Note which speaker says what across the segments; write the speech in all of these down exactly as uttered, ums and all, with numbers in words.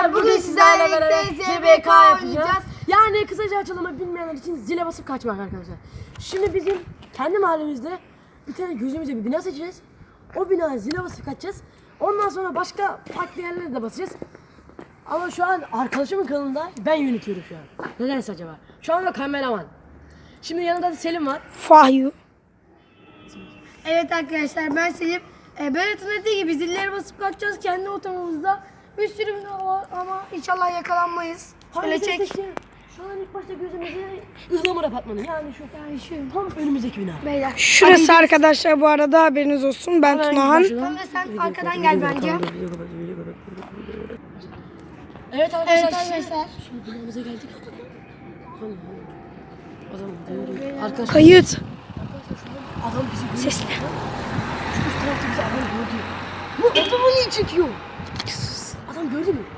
Speaker 1: arkadaşlar bugün sizlerle beraber Z B K yapacağız. Yani kısaca açılımı bilmeyenler için zile basıp kaçmak arkadaşlar. Şimdi bizim kendi mahallemizde bir tane gözümüze bir bina seçeceğiz. O binaya zile basıp kaçacağız. Ondan sonra başka farklı yerlere de basacağız. Ama şu an arkadaşımın kanalında ben yönetiyorum şu an. Nedense acaba? Şu anda kameraman. Şimdi yanında da Selim var.
Speaker 2: Fahyu.
Speaker 3: Evet arkadaşlar ben Selim. E, Berat'ın dediği gibi zilleri basıp kaçacağız kendi otomamızda. Bir sürü bina var ama inşallah yakalanmayız. Şöyle çek.
Speaker 1: Seçeyim? Şu an ilk başta gözümüze ızlamur apartmanı yani şu
Speaker 3: Yani şu.
Speaker 1: tam önümüzdeki bina.
Speaker 3: Beyler.
Speaker 2: Şurası arkadaşlar bu arada haberiniz olsun. Ben Tunahan.
Speaker 3: Tamam da sen arkadan gel bence.
Speaker 1: Evet arkadaşlar.
Speaker 3: Evet arkadaşlar.
Speaker 1: Şimdi binamıza geldik. O zaman diyorum. Arkadaşlar
Speaker 2: Kayıt.
Speaker 1: adam bizi gördü.
Speaker 2: Sesle.
Speaker 1: Şu üst tarafta bizi adam gördü. Bu adamı niye çekiyor? Adam gördü mü?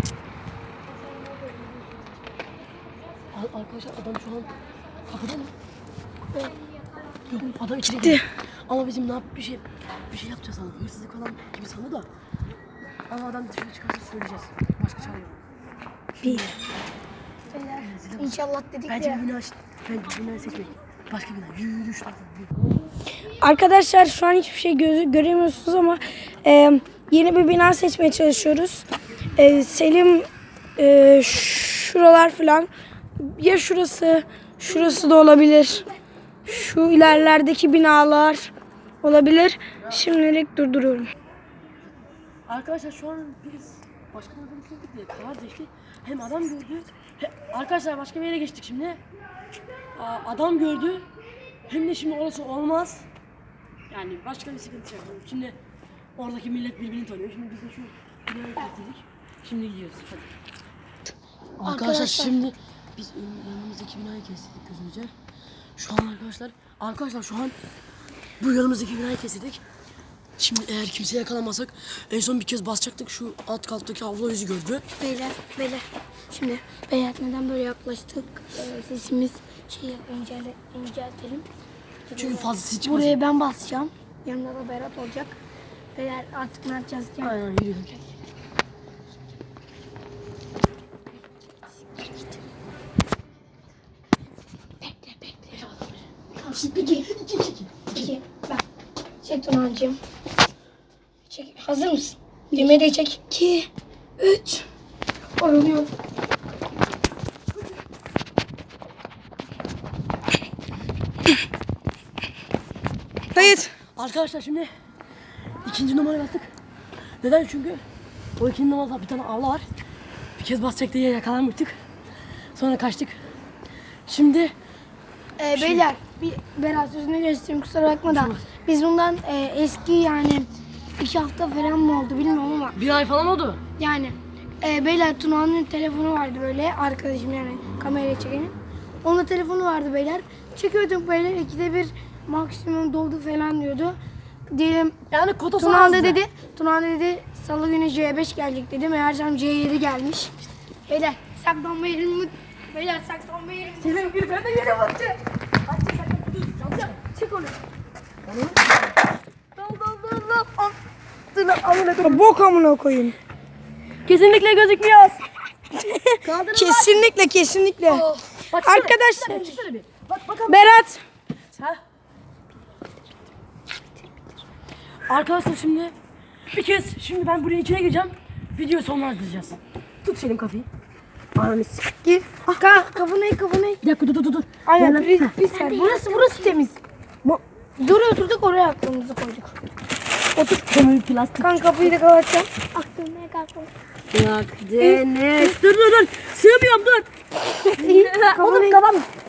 Speaker 1: Al- Arkadaşlar adam şu an kapıda mı? Yok adam içeri
Speaker 2: Gitti.
Speaker 1: girdi. Ama bizim ne yap bir şey bir şey yapacağız sandım. Hırsızlık falan gibi sandı da. Ama adam dışarı çıkarsa söyleyeceğiz. Başka çare yok.
Speaker 2: Bir.
Speaker 3: Beyler. İnşallah dedik
Speaker 1: Bence
Speaker 3: ya.
Speaker 1: bir bina bence bir bina seçmek. Başka bina. Yürü yürü şu tarafa.
Speaker 2: Arkadaşlar şu an hiçbir şey gözü göremiyorsunuz ama e, yeni bir bina seçmeye çalışıyoruz. E, Selim e, şuralar falan ya şurası şurası da olabilir. Şu ilerlerdeki binalar olabilir. Şimdilik durduruyorum.
Speaker 1: Arkadaşlar şu an biz başka bir adamı gördük diye karar değişti. Hem adam gördü. He, arkadaşlar başka bir yere geçtik şimdi. Aa, adam gördü. Hem de şimdi orası olmaz. Yani başka bir sıkıntı yok. Şimdi oradaki millet birbirini tanıyor. Şimdi biz de şu binayı kestik. Şimdi gidiyoruz. Hadi. Arkadaşlar,
Speaker 3: Arkadaşlar.
Speaker 1: şimdi biz yanımızdaki binayı kestik gözümüze. Şu an arkadaşlar, arkadaşlar şu an bu yanımızdaki binayı kestik. Şimdi eğer kimseye yakalamazsak en son bir kez basacaktık şu alt kattaki abla yüzü gördü.
Speaker 3: Beyler. Beyler. Şimdi beyler neden böyle yaklaştık? Ee, sesimiz şey incele, inceltelim.
Speaker 1: Çünkü fazla ses çıkmasın.
Speaker 3: Buraya ben basacağım. Yanında da Berat olacak. Beyler artık ne yapacağız? Gel.
Speaker 1: Aynen yürüyelim.
Speaker 3: İki. İki. İki. Bak. Çek Tunağancığım. Çek. Hazır mısın? Düğmeyi de çek. İki. Üç. Oluyor.
Speaker 2: Kayıt.
Speaker 1: Arkadaşlar şimdi ikinci numaraya bastık. Neden? Çünkü o ikinci numarada bir tane abla var. Bir kez basacak diye yakalanmıştık. Sonra kaçtık. Şimdi
Speaker 3: Ee, beyler bir Berat sözünü geçtim kusura bakma da biz bundan e, eski yani iki hafta falan mı oldu bilmiyorum ama
Speaker 1: bir ay falan oldu.
Speaker 3: yani e, beyler Tuna'nın telefonu vardı böyle arkadaşım yani kameraya çekenin. Onun telefonu vardı beyler. Çekiyorduk beyler ikide bir maksimum doldu falan diyordu. Diyelim
Speaker 1: Yani kotası
Speaker 3: Tuna
Speaker 1: azdı.
Speaker 3: da dedi, Tuna da dedi salı günü C beş gelecek dedi. Meğersem C yedi gelmiş. Beyler saklanma yerimi Beyler saklanma yerimi
Speaker 1: Senin bir ben de yere bakacağım. Açacak sakın dur. Çalacağım. Çık onu. Dal dal dal dal. Al. Dur lan amına koyayım.
Speaker 2: Bok amına koyayım.
Speaker 1: Kesinlikle gözükmüyor.
Speaker 2: Kesinlikle kesinlikle.
Speaker 1: Baksana,
Speaker 2: Arkadaşlar.
Speaker 1: çıksana, çıksana bir. Bak bakalım.
Speaker 2: Berat.
Speaker 1: Ha? Arkadaşlar şimdi bir kez şimdi ben buraya içine gireceğim. Videoyu sonlandıracağız. Tut Selim kafayı. Ananı s**k.
Speaker 3: Gir. Ka kafanayı kafanayı.
Speaker 1: Bir dakika dur dur dur.
Speaker 3: Aynen
Speaker 1: Gel
Speaker 3: pis,
Speaker 1: lan.
Speaker 3: pis yer. Burası burası temiz. Bu. Dur oturduk oraya aklımızı koyduk.
Speaker 1: Otur. Kömür plastik.
Speaker 3: Kan kapıyı da kapatacağım. Aklımaya kalkma.
Speaker 1: Bak Deniz. Dur dur dur. Sığmıyorum dur.
Speaker 3: Kafanayı
Speaker 1: Oğlum kapat.